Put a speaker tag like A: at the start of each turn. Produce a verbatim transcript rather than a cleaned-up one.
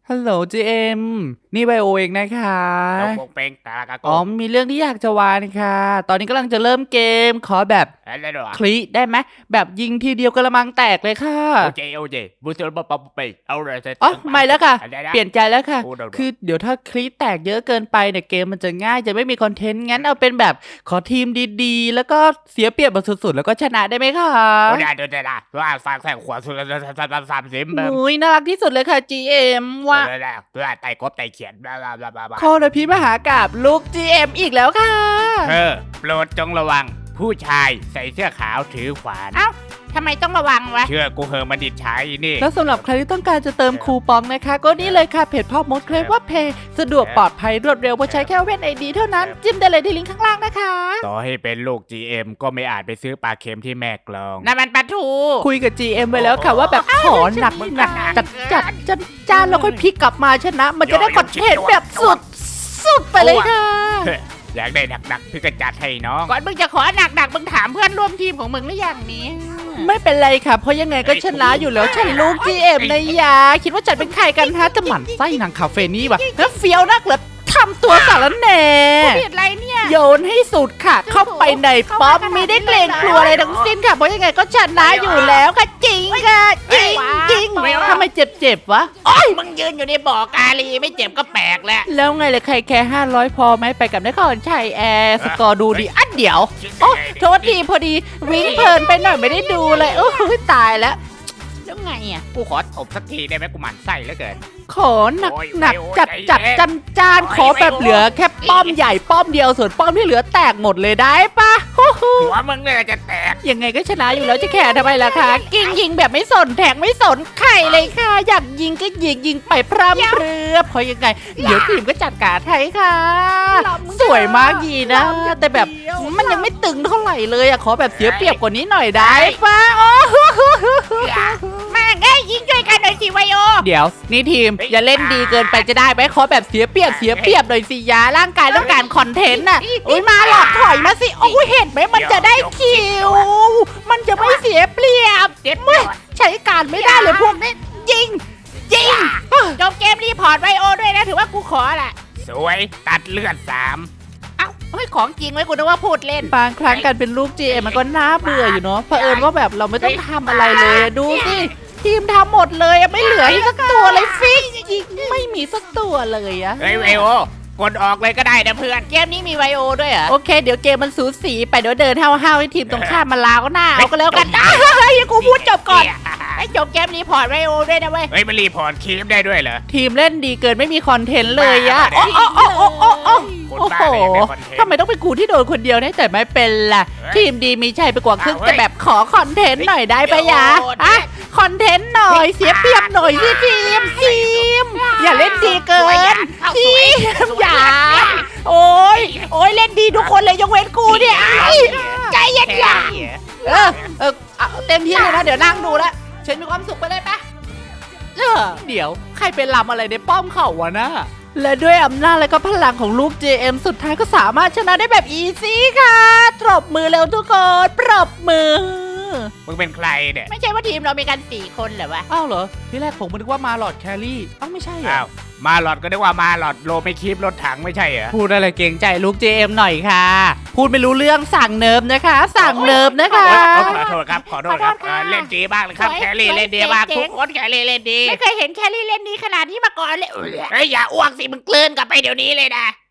A: ฮัลโหลจีเอ็มนี่ไบโอเองนะคะ
B: เราคงเป็นกากาโก
A: อ๋อมีเรื่องที่อยากจะวานค่ะตอนนี้กำลังจะเริ่มเกมขอแบบ
B: อะไรหรอ
A: คลิได้ไหมแบบยิงทีเดียวกระมังแตกเลยค่ะ
B: โอเคโอเคบุษบปปไปเอาเลยเสร็จ
A: อ๋อไม่แล้วค่ะ เปลี่ยนใจแล้วค่ะ
B: โอ้เดี๋ยว
A: คือเดี๋ยวถ้าคลิแตกเยอะเกินไปเนี่ยเกมมันจะง่ายจะไม่มีคอนเทนต์งั้นเอาเป็นแบบขอทีมดีๆ แล้วก็เสียเปรียบแบบสุดๆ แล้วก็ชนะได้ไหมคะ
B: โอ้ได้ได้ได้ว่าฟังแสงขวาสุดสามสามสิบเบิ้ม
A: อุ้ยน่ารักที่สุดเลยค่ะ จี เอ็ม ว่า
B: ได้ได้เพื่อไต่กบไต่เขียนบลาบลาบลาบลา
A: โคตรพิมหากาบลูก จี เอ็ม อีกแล้วค่ะ
B: เธอโปรดจงระวังผู้ชายใส่เสื้อขาวถือขวาน
C: เอ้าทำไมต้องระวังวะ
B: เชื่อกูเหอะมันดิดใช้นี่
A: แล้วสำหรับใครที่ต้องการจะเติมคูปองนะคะ ก็นี่เลยค่ะเพจพ่อมดเคลมว่าเพย์สะดวกปลอดภัยรวดเร็วเพราะใช้แค่เว้นไอดีเท่านั้น จิ้มได้เลยที่ลิงก์ข้างล่างนะคะ
B: ต่อให้เป็นลูก จี เอ็ม ก็ไม่อาจไปซื้อปลาเค็มที่แม่กลอง
C: น้ำมันปลาทู
A: คุยกับ จี เอ็ม ไว้แล้วค่ะว่าแบบขอหนักหนักจัดจัดจัดจ้านแล้วค่อยพลิกกลับมาชนะ มันจะได้คอนเทนต์แบบสุดสุดไปเลยค่ะ
B: อยากได้หนักๆพี่ก็จัดให้น้อง
C: ก่อนมึงจะขอหนักหนักๆมึงถามเพื่อนร่วมทีมของมึงหรือยังนี้
A: ไม่เป็นไรค่ะ เพราะยังไงก็ชนะอยู่แล้วฉันลูก จี เอ็ม นะยาคิดว่าฉันเป็นใครกันฮะจะหมั่นไส้นางคาเฟนี่วะแล้วเฟี้ยวนักเหรอทำตัวสารแหน่
C: ผิดอะไรเนี่ย
A: โยนให้สุดค่ะ เข้าไปในป๊อปไม่ได้เกรงกลัวอะไรทั้งสิ้นค่ะ เพราะยังไงก็ชนะอยู่แล้วค่ะจริงค่ะจริงจริงทำไมเจ็บๆวะ
C: โอ้ยมึงยืนอยู่ในบ่อกาลีไม่เจ็บก็แปลกแล้ว
A: แล้วไงเลยใครแค่ห้าร้อยพอไหมไปกับนครชัยแอร์สกอร์ดูดีอ่ะเดี๋ยวโอ้โทษทีพอดีวิ่งเพลินไปหน่อยไม่ได้ดูเลยโอ้ยตายแล้ว
C: แล้วไงอ่ะ
B: กูขอตบสักทีได้ไหมกูหมั่นไส้เหลือเกิน
A: ขอหนัก
B: โอ้ย
A: หนัก
B: โอ้ย
A: จัด
B: ใจ
A: จัด
B: เย็น
A: จันจานขอแบบเหลือแค่ป้อมใหญ่ป้อมเดียวส่วนป้อมที่เหลือแตกหมดเลยได้ปะฮู้ฮู้
B: หัวมึงเนี่ยจะแตก
A: ยังไงก็ชนะอยู่แล้วจะแข่ทำไมล่ะคะกิ้งยิงแบบไม่สนแทงไม่สนใครเลยค่ะ อยากยิงก็ยิงยิงไปพร่ำเพรือเพราะยังไง เดี๋ยวทีมก็จัดการให้ค่ะ สวยมากยีนะ แต่แบบมันยังไม่ตึงเท่าไหร่เลยอะขอแบบเสียเปรียบกว่านี้หน่อยได้ปะโอ้โห
C: แม่งเอ้ยยิงช่วยกันหน่อยสิไวโอ
A: เดี๋ยวนี่ทีมอย่าเล่นดีเกินไปจะได้ไหมขอแบบเสียเปรียบเสียเปรียบหน่อยสิยาร่างกายต้องการคอนเทนต์น่ะอุ้ยมาหลอกถอยมาสิโอ้ยเห็นไหมมันจะได้คิว มันจะไม่เสียเปรียบ
C: เด็ด
A: ไม่ใช้การไม่ได้เลยพวกนี้ยิงยิง
C: จบเกมรีพอร์ตไวโอด้วยนะถือว่ากูขอแหละ
B: สวยตัดเลือดสาม
C: เอ้าเฮ้ยของจริงไว้กูนึกว่าพูดเล่น
A: บางครั้งการเป็นลูก จี เอ็ม มันก็น่าเบื่ออยู่เนาะเผอิญว่าแบบเราไม่ต้องทำอะไรเลยอะดูสิทีมทำหมดเลยอะไม่เหลือให้สักตัวเลยฟิกยิงไม่มีสักตัวเลยอะ
B: เฮ้ยเวโอกดออกเลยก็ได้นะเพื่อน
C: เกมนี้มีไวโอด้วยเหรอ
A: โอเค เดี๋ยวเกมมันสูสีไปเดี๋ยวเดินห้าวๆให้ทีมตรงข้ามมาลาวก็หน้าเอาก็แล้วกันอ้าวเฮ้ยกูพูดจบก่อน
C: ไอ้จบเกมรีพอร์ตไวโอด้วยนะเว้ย
B: เฮ้ยมันรีพอร์ตคลิปได้ด้วยเหรอ
A: ทีมเล่นดีเกินไม่มีคอนเทนต์เลยอะ
B: บ้า
A: โอ้โอ้โอ้โอ้โอ้
B: คน
A: โอ้
B: บ้า
A: โห
B: เลยไม่คอนเทนต์
A: ทำไมต้องเป็นกูที่โดนคนเดียวเนี่ยแต่ไม่เป็นล่ะ
B: เฮ้ย
A: ทีมดีมีชัยไปกว่าครึ่ง
B: อ้าวเฮ้ย
A: จะแบบขอคอนเทนต์หน่อยได้ปะยะ
C: โอ้โห
A: อะคอนเทนต์หน่อยเสียเปรียบหน่อยสิทีมทีมอย่าเล่นดีเกินทีมอย่าโอ้ยโอ้ยเล่นดีทุกคนเลยยกเว้นกูเนี่ยไอ้ใจเย็นอย่าเออเออเอาเต็มที่เลยนะเดี๋ยวนั่งดูแล้วฉันมีความสุขไปเลยปะเออเดี๋ยวใครเป็นลำอะไรในป้อมเขาวะนะและด้วยอำนาจและก็พลังของลูก จี เอ็ม สุดท้ายก็สามารถชนะได้แบบอีซี่ค่ะปรบมือเร็วทุกคนปรบมือ
B: มึงเป็นใครเนี่ย
C: ไม่ใช่ว่าทีมเรามีกันสี่คนเหรอวะ
A: อ้าวเหรอที่แรกผมนึกว่ามาหลอดแครี่อ้าวไม่ใช่เหร
B: อ้า
A: อ
B: วมาหลอดก็นึกว่ามาหลอดโลไม่คลิปรถถังไม่ใช่เหรอ
A: พูดอะไรเกรงใจลูก จี เอ็ม หน่อยค่ะ พูดไม่รู้เรื่องสั่งเนิบนะคะ สั่งเนิบนะคะ
B: โอ๊ยขอโทษครับขอโทษครับเออเล่นดีมากเลยครับแครี่เล่นดีมากทุกคนแครี่เล่นดี
C: ไม่เคยเห็นแครี่เล่นดีขนาดนี้มาก่อนเลย
B: เฮ้ยอย่าอ้วกสิมึงกลืนกลับไปเดี๋ยวนี้เลยนะ